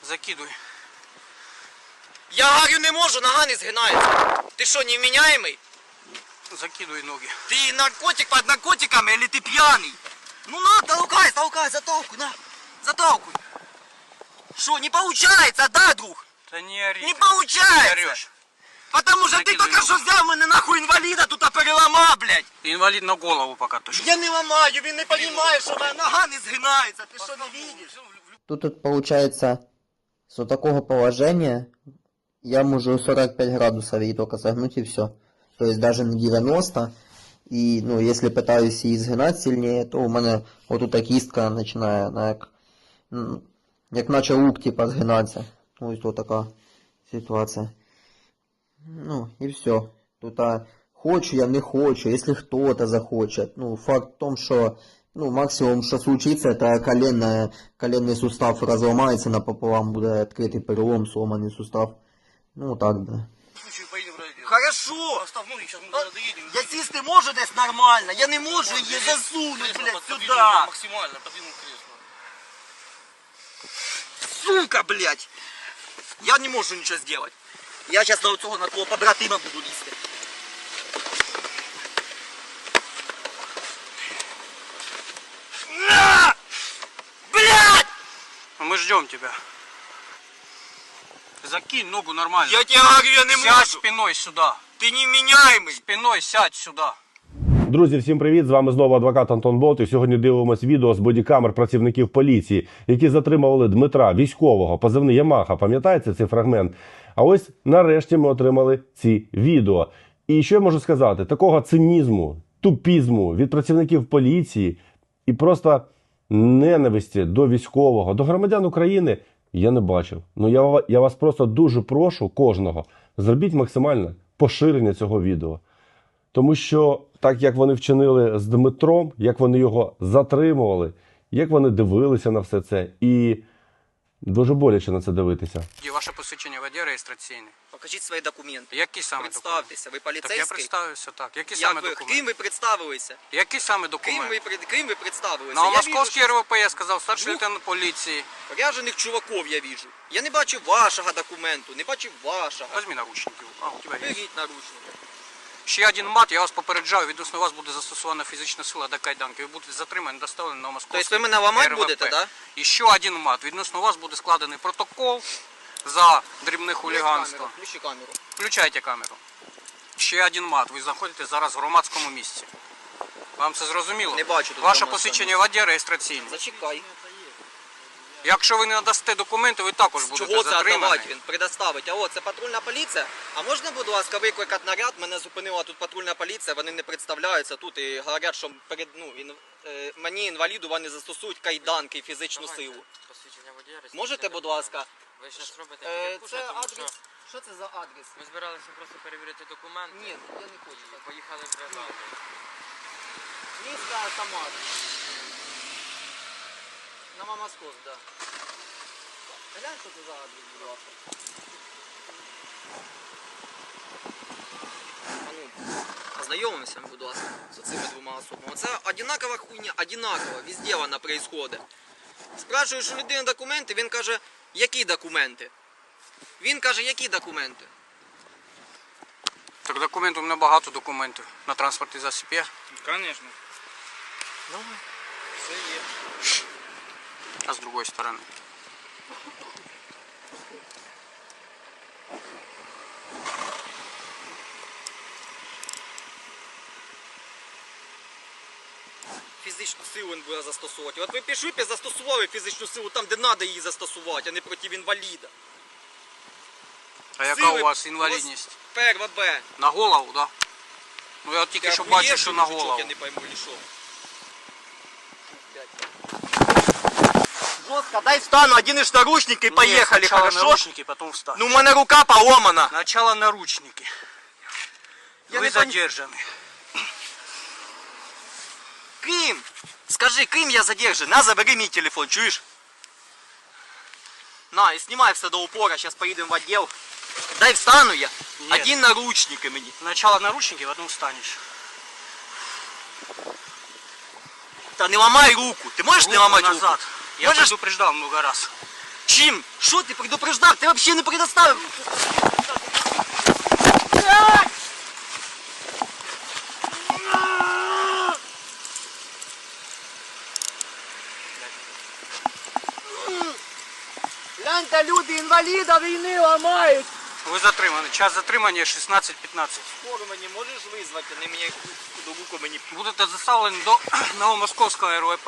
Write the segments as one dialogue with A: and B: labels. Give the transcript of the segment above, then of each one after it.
A: Закидуй.
B: Я говорю, не можу, нога не згинається. Ти що, невменяемый?
A: Закидуй ноги.
B: Ты наркотик под наркотиками или ты пьяный? Ну на, толкай, затолкуй, на. Затолкуй. Что, не получается, да, друг?
A: Да не ори.
B: Не получается.
A: Не орешь.
B: Потому что ты только что взял мене нахуй инвалида тут переламав, блядь.
A: Инвалид на голову пока точно.
B: Я не ламаю, він не розуміє, що моя нога не згинається. Ти що, не видиш?
C: Тут получается, с такого положения я могу 45 градусов ей только согнуть и все. То есть даже не 90. И, ну, если пытаюсь її згинати сильнее, то у мене отута кістка починає, як наче лук, типа, згинатися. Ось тут така ситуація. Ну, и все. Тут хочу я, не хочу, если кто-то захочет. Ну, факт в том, что, ну, максимум, что случится, это коленный сустав разломается напополам, буде відкритий перелом, сломаний сустав. Ну, так, да.
B: Хорошо. Я сісти можу десь нормально, я не можу її засунути, блядь, сюди.
A: Максимально подвинул кресло.
B: Сука, блядь. Я не можу нічого зробити. Я зараз на цього наркого побратима буду лізти. На! Блядь!
A: Мы ждем тебя. Закинь ногу нормально.
B: Я тебе говорю, я не
A: Сядь
B: можу.
A: спиной сюда.
B: Ти невменяемый.
A: Спиной сядь сюда.
D: Друзі, всім привіт! З вами знову адвокат Антон Болт. І сьогодні дивимось відео з бодікамер працівників поліції, які затримували Дмитра, військового, позивний Ямаха. Пам'ятаєте цей фрагмент? А ось нарешті ми отримали ці відео. І що я можу сказати? Такого цинізму, тупізму від працівників поліції і просто ненависті до військового, до громадян України я не бачив. Ну я вас просто дуже прошу кожного, зробіть максимальне поширення цього відео. Тому що так, як вони вчинили з Дмитром, як вони його затримували, як вони дивилися на все це, і дуже боляче на це дивитися.
A: Є ваше посвідчення водія реєстраційне.
B: Покажіть свої документи.
A: Які саме документи?
B: Представтеся, ви
A: Так я
B: поліцейський?
A: представився, так. Які
B: Як
A: саме
B: ви?
A: документи?
B: Ким ви представилися?
A: Які саме документи?
B: Ким ви представилися?
A: На
B: Я
A: московський
B: вижу,
A: РВП я сказав, старший
B: Двох?
A: лейтенант поліції.
B: що ряжених чуваків я вижу. Я не бачив вашого документу, не бачив вашого.
A: Возьми наручники. А, у тебе є.
B: Беріть наручники.
A: Ще один мат, я вас попереджаю, відносно вас буде застосована фізична сила до кайданки. Ви будете затримані, доставлені на московський
B: Тобто ви мене ламати
A: РВП.
B: будете, да?
A: І ще один мат. Відносно вас буде складений протокол за дрібне хуліганство.
B: Включи камеру.
A: Включайте камеру. Ще один мат. Ви знаходитесь зараз в громадському місці. Вам це зрозуміло?
B: Не бачу тут
A: Ваше
B: громадського
A: посвідчення водія реєстраційне.
B: Зачекай.
A: Якщо ви не надасте документи, ви також будете
B: Чого це
A: затримані.
B: віддавати? Він предоставить. А от, це патрульна поліція. А можна, будь ласка, викликати наряд? Мене зупинила тут патрульна поліція, вони не представляються тут і говорять, що мені інваліду вони застосують кайданки і фізичну силу.
E: Посвідчення водія.
B: Можете, будь ласка?
E: Ви зараз робите
B: Це
E: підпуша, тому
B: адрес.
E: що
B: Що це за адрес?
E: ми збиралися просто перевірити документи.
B: Ні, я не хочу.
E: Поїхали в бригаду.
B: Місто Самар. На Мамаскос, да. Глянь, що це за адрес, будь ласка. А ну, познайомимося, будь ласка, з цими двома особами. Це одинакова хуйня, одинакова, везде вона происходить. Спрашуєш у людини документи, він каже, які документи? Він каже, які документи?
A: Так документів, у мене багато документів на транспортний засіб є.
E: Звісно.
B: Ну, все є.
A: А з другої сторони.
B: Фізичну силу він буде застосовувати. От ви пішли б і застосували фізичну силу там, де треба її застосувати, а не проти інваліда.
A: А яка
B: Сили
A: у вас інвалідність?
B: Перва Б.
A: На голову, так? Да? Ну я от тільки що бачу, що на голову.
B: Я не пойму, или що. Жестко, дай встану, оденешь наручники и поехали, хорошо?
A: наручники, потом встань.
B: Ну, у меня рука поломана.
A: Сначала наручники.
B: Я
A: Вы
B: не
A: задержаны.
B: Ким? Скажи, ким я задержан? На, забери мой телефон, чуешь? На, и снимай все до упора, сейчас поедем в отдел. Дай встану я.
A: Нет.
B: Один наручники мне.
A: Сначала наручники, потом встанешь.
B: Да не ломай руку. Ты можешь не ломать
A: назад.
B: руку?
A: Я
B: Можешь?
A: предупреждал много раз.
B: Чим? Що ти предупреждав? Ти взагалі не предоставив.
F: Гляньте, люди інваліда війни ламають.
A: Ви затримані. Час затримання 16:15.
B: Скоро мені можеш визвати, не мені до руку мені.
A: Будете заставлені до Новомосковського РВП.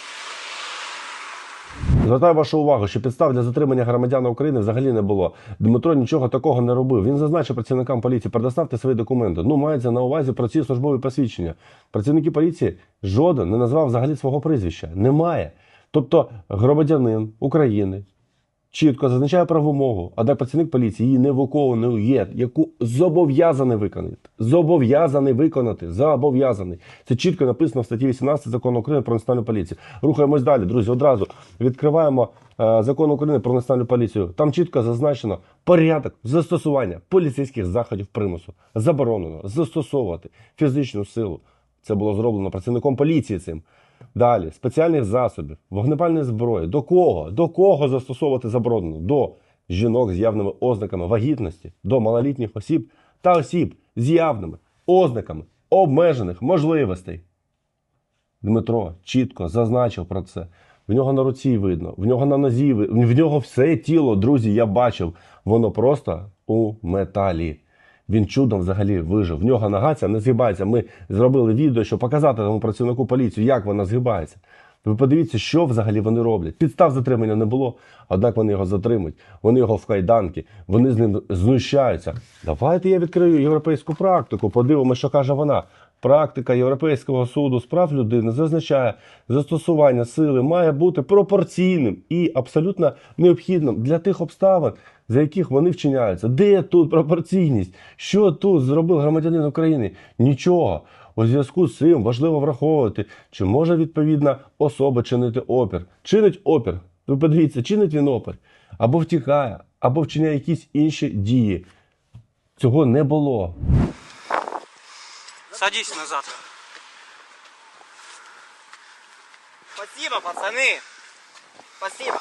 D: Звертаю вашу увагу, що підстав для затримання громадяна України взагалі не було. Дмитро нічого такого не робив. Він зазначив працівникам поліції: предоставте свої документи. Ну, мається на увазі про ці службові посвідчення. Працівники поліції жоден не назвав взагалі свого прізвища. Немає. Тобто громадянин України чітко зазначає правомогу, однак працівник поліції її не виконує, яку зобов'язаний виконати. Зобов'язаний. Це чітко написано в статті 18 Закону України про національну поліцію. Рухаємось далі, друзі. Одразу відкриваємо Закон України про національну поліцію. Там чітко зазначено порядок застосування поліцейських заходів примусу. Заборонено застосовувати фізичну силу. Це було зроблено працівником поліції цим. Далі, спеціальних засобів, вогнепальної зброї. До кого? До кого застосовувати заборонено? До жінок з явними ознаками вагітності, до малолітніх осіб та осіб з явними ознаками обмежених можливостей. Дмитро чітко зазначив про це. В нього на руці видно, в нього на нозі видно, в нього все тіло, друзі, я бачив. Воно просто у металі. Він чудом взагалі вижив. В нього нога ця не згибається. Ми зробили відео, щоб показати тому працівнику поліції, як вона згибається. Ви подивіться, що взагалі вони роблять. Підстав затримання не було, однак вони його затримують. Вони його в кайданки, вони з ним знущаються. Давайте я відкрию європейську практику, подивимося, що каже вона. Практика Європейського суду з прав людини зазначає, застосування сили має бути пропорційним і абсолютно необхідним для тих обставин, за яких вони вчиняються. Де тут пропорційність? Що тут зробив громадянин України? Нічого. У зв'язку з цим важливо враховувати, чи може відповідна особа чинити опір. Чинить опір. Ви подивіться, чинить він опір. Або втікає, або вчиняє якісь інші дії. Цього не було.
A: Садись назад.
B: Спасибо, пацани. Спасибо.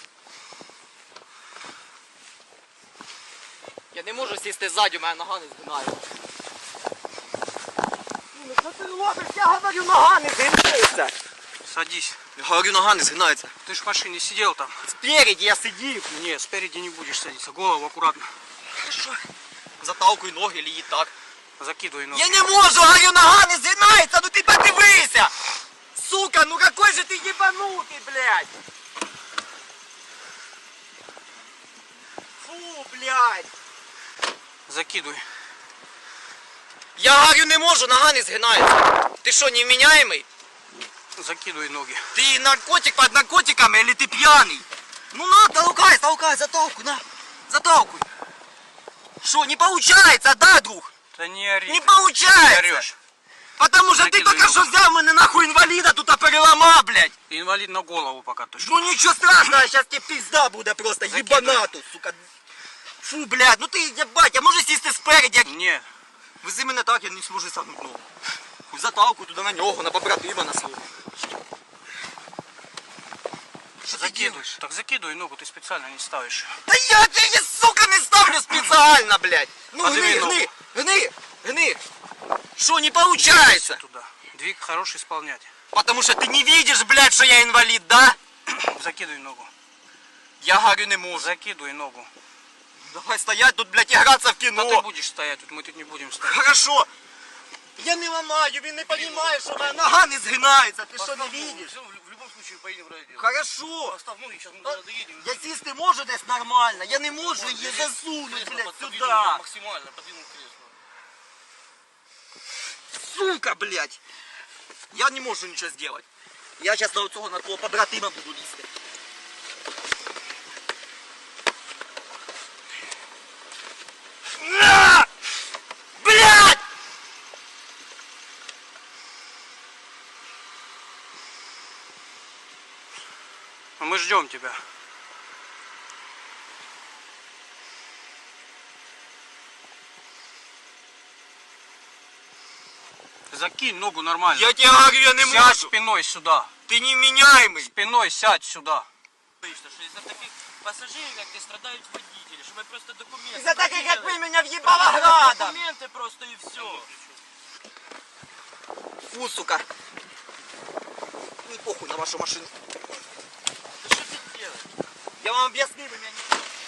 B: Я не можу сісти ззаді, у мене нога не згинає. Ну що ти робиш? Я говорю, нога не згинається.
A: Садись.
B: Я говорю, нога не згинається.
A: Ты ж в машине сидел там.
B: Спереді я сидів.
A: Не, спереди не будешь садиться. Голову аккуратно.
B: Ти що? Заталкуй ноги, или і так.
A: Закидывай ноги.
B: Я не можу, говорю, нога не згинається, ну ти подивися! Сука, ну какой же ты ебанутый, блядь! Фу, блядь!
A: Закидывай.
B: Я говорю, не можу, нога не згинається. Ти що, невменяемый?
A: Закидывай ноги.
B: Ты наркотик под наркотиками или ты пьяный? Ну на, толкай, заталкуй, на, заталкуй. Что, не получается, да, друг?
A: Да не ори.
B: Не
A: ты.
B: получается.
A: Ты орешь.
B: Потому что ты
A: Закидывай
B: только
A: ногу.
B: что взял меня нахуй инвалида тут переломал, блядь.
A: Ты инвалид на голову пока точно.
B: Ну ничего страшного, сейчас тебе пизда будет просто,
A: Закидывай.
B: ебанату, сука. Фу, блядь, ну ты, ебать, а можешь сесть спереди?
A: Не.
B: Вези мене так, я не зможу сагнути ногу. Хуй заталкуй туди на нього, на побратима на свого. Що ти
A: Закидывай.
B: делаешь?
A: Так закидывай ногу, ты специально не ставишь.
B: Та я тебе, сука, не ставлю специально, блядь. Ну
A: Подними
B: гни.
A: ногу.
B: Что, не получается?
A: Туда. Двиг хороший исполнять.
B: Потому что ты не видишь, блядь, что я инвалид, да?
A: Закидывай ногу.
B: Я говорю, не можу.
A: Закидывай ногу.
B: Давай стоять тут, блядь, играться в
A: Да
B: кино.
A: ты будешь стоять тут, мы тут не будем стоять.
B: Хорошо. Я не ламаю, він не розуміє, що моя нога не згинається. Ти що, не видиш?
A: В любом случае поедем в райотдел.
B: Хорошо.
A: Поставь ноги, сейчас мы
B: А,
A: туда доедем.
B: Я сісти можу десь нормально, я не можу її засунути, блядь, сюди.
A: Максимально подвинул кресло.
B: Сука, блядь. Я не можу нічого зробити. Я зараз на цього, на твого побратима буду лізти. На! Блядь!
A: Мы ждем тебя. Закинь ногу нормально.
B: Я тебе говорю, я не
A: Сядь
B: можу.
A: спиной сюда.
B: Ти невменяемый.
A: Спиной сядь сюда.
E: Вийшло, що із-за таких пасажирів, як ти, страдають водителі, що ми просто документи...
B: Із-за таких, як ви,
E: перевірили.
B: мене в'їбала градом!
E: Документи просто і все.
B: Фу, сука. Не похуй на вашу машину.
E: Ти що ти робиш?
B: Я вам об'яснив, ви мене...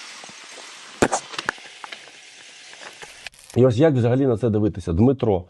D: І ось як взагалі на це дивитися? Дмитро,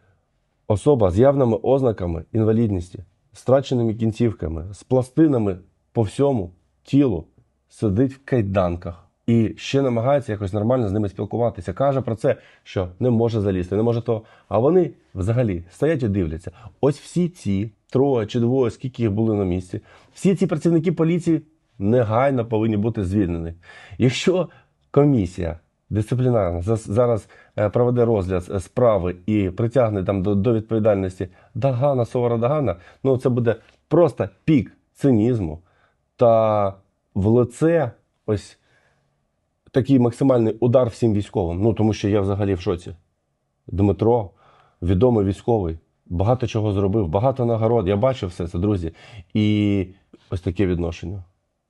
D: особа з явними ознаками інвалідності, з втраченими кінцівками, з пластинами по всьому тілу, сидить в кайданках і ще намагається якось нормально з ними спілкуватися. Каже про це, що не може залізти, не може того. А вони взагалі стоять і дивляться. Ось всі ці троє чи двоє, скільки їх були на місці, всі ці працівники поліції негайно повинні бути звільнені. Якщо комісія дисциплінарна зараз проведе розгляд справи і притягне там до відповідальності Дагана, Совара Дагана, ну це буде просто пік цинізму та в лице ось такий максимальний удар всім військовим. Ну тому що я взагалі в шоці. Дмитро, відомий військовий, багато чого зробив, багато нагород. Я бачив все це, друзі. І ось таке відношення.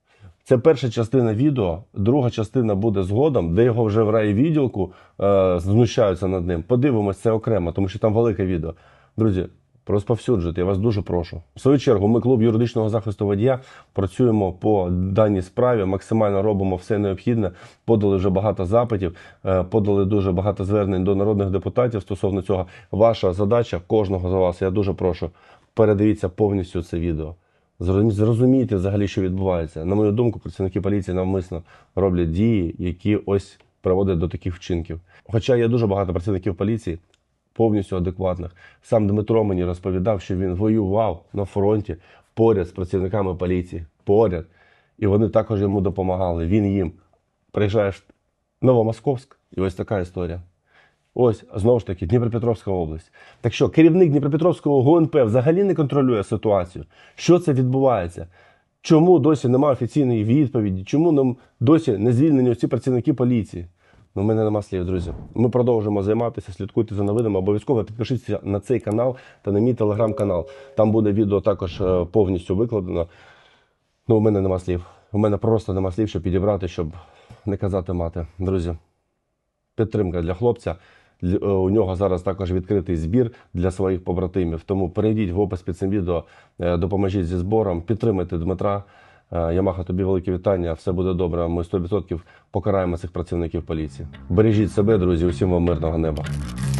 D: Це перша частина відео, друга частина буде згодом, де його вже в райвідділку знущаються над ним. Подивимось це окремо, тому що там велике відео. Друзі, розповсюджуйте, я вас дуже прошу. В свою чергу, ми, клуб юридичного захисту водія, працюємо по даній справі, максимально робимо все необхідне, подали вже багато запитів, подали дуже багато звернень до народних депутатів стосовно цього. Ваша задача, кожного з вас, я дуже прошу, передивіться повністю це відео. Зрозумійте взагалі, що відбувається. На мою думку, працівники поліції навмисно роблять дії, які ось приводять до таких вчинків. Хоча є дуже багато працівників поліції, повністю адекватних. Сам Дмитро мені розповідав, що він воював на фронті поряд з працівниками поліції. Поряд. І вони також йому допомагали. Він їм. Приїжджаєш в Новомосковськ, і ось така історія. Ось, знову ж таки, Дніпропетровська область. Так що, керівник Дніпропетровського ГУНП взагалі не контролює ситуацію? Що це відбувається? Чому досі немає офіційної відповіді? Чому нам досі не звільнені ці працівники поліції? Ну, в мене нема слів, друзі. Ми продовжуємо займатися, слідкуйте за новинами. Обов'язково підпишіться на цей канал та на мій телеграм-канал. Там буде відео також повністю викладено. Ну, у мене нема слів. У мене просто нема слів, щоб підібрати, щоб не казати мати. Друзі, підтримка для хлопця. У нього зараз також відкритий збір для своїх побратимів. Тому перейдіть в опис під цим відео, допоможіть зі збором, підтримайте Дмитра. Ямаха, тобі велике вітання, все буде добре. Ми 100% покараємо цих працівників поліції. Бережіть себе, друзі, усім вам мирного неба.